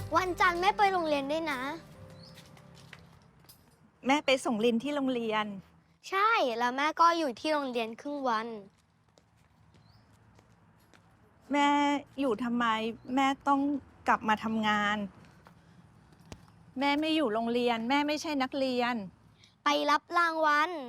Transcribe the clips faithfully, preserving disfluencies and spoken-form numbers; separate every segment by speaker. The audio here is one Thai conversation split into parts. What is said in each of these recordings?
Speaker 1: วันจันทร์แม่ไปโรงเรียนด้วยนะ
Speaker 2: แม่ไปส่งลินที่โรงเรียน
Speaker 1: ใช่ แล้วแม่ก็อยู่ที่โรงเรียนครึ่งวัน
Speaker 2: แม่อยู่ทำไมแม่ต้องกลับมาทำงาน แม่ไม่อยู่โรงเรียน แม่ไม่ใช่นักเรียน
Speaker 1: ไปรับรางวัล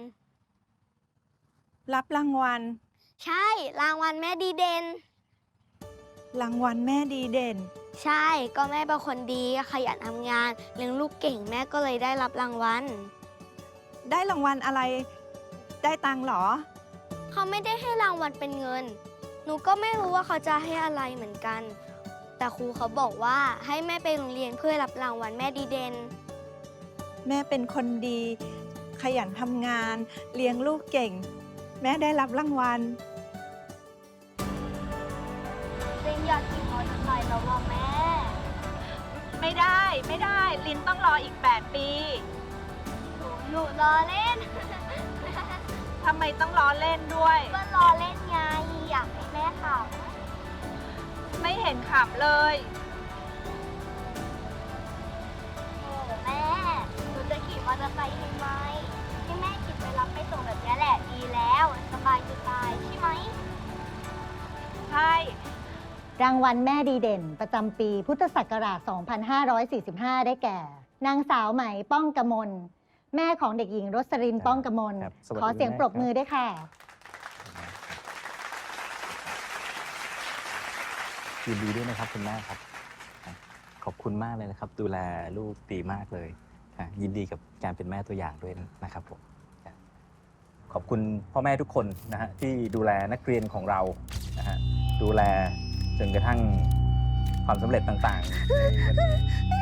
Speaker 2: รับรางวัล
Speaker 1: ใช่ รางวัลแม่ดีเด่น
Speaker 2: รางวัลแม่ดีเด่น
Speaker 1: ใช่ ก็แม่เป็นคนดีขยันทำงานเลี้ยงลูกเก่งแม่ก็เลยได้รับรางวัล
Speaker 2: ได้รางวัลอะไร ได้ตังค์เหรอ
Speaker 1: เขาไม่ได้ให้รางวัลเป็นเงิน หนูก็ไม่รู้ว่าเขาจะให้อะไรเหมือนกัน แต่ครูเขาบอกว่าให้แม่ไปโรงเรียนเพื่อรับรางวัลแม่ดีเด่น
Speaker 2: แม่เป็นคนดี ขยันทำงาน เลี้ยงลูกเก่ง แม่ได้รับรางวัล
Speaker 1: ลินอยากขี่มอเตอร์ไซค์แล้วว่าแม่
Speaker 2: ไม่ได้ไม่ได้ ลินต้องรออีกแปดปี
Speaker 1: หนูหนูรอเล่น
Speaker 2: ทำไมต้องล้อเล่นด้วย
Speaker 1: ก็รอเล่นไง อยากให้แม่ขับ
Speaker 2: ไม่เห็นขำเลย
Speaker 1: โอ้แม่ หนูจะขี่มอเตอร์ไซค์ให้ไหมให้แม่ขี่ไปรับไปส่งแบบนี้แหละดีแล้ว สบายจะตายใช่ไหม
Speaker 2: ใช่
Speaker 3: รางวัลแม่ดีเด่นประจำปีพุทธศักราช สองพันห้าร้อยสี่สิบห้า ได้แก่ นางสาวไหมป้องกมล แม่ของเด็กหญิงรสรินป้องกมล
Speaker 4: ครับสวัสดี
Speaker 3: ขอเสียง
Speaker 4: คุณแม่
Speaker 3: ปรบมือด้วยค่ะ
Speaker 4: ยินดีด้วยนะครับคุณแม่ครับ ขอบคุณมากเลยนะครับ ดูแลลูกดีมากเลยค่ะยินดีกับการเป็นแม่ตัวอย่างด้วยนะครับผมค่ะขอบคุณพ่อแม่ทุกคนนะฮะที่ดูแลนักเรียนของเรานะฮะดูแลจนกระทั่งความสำเร็จต่างๆในวันนี้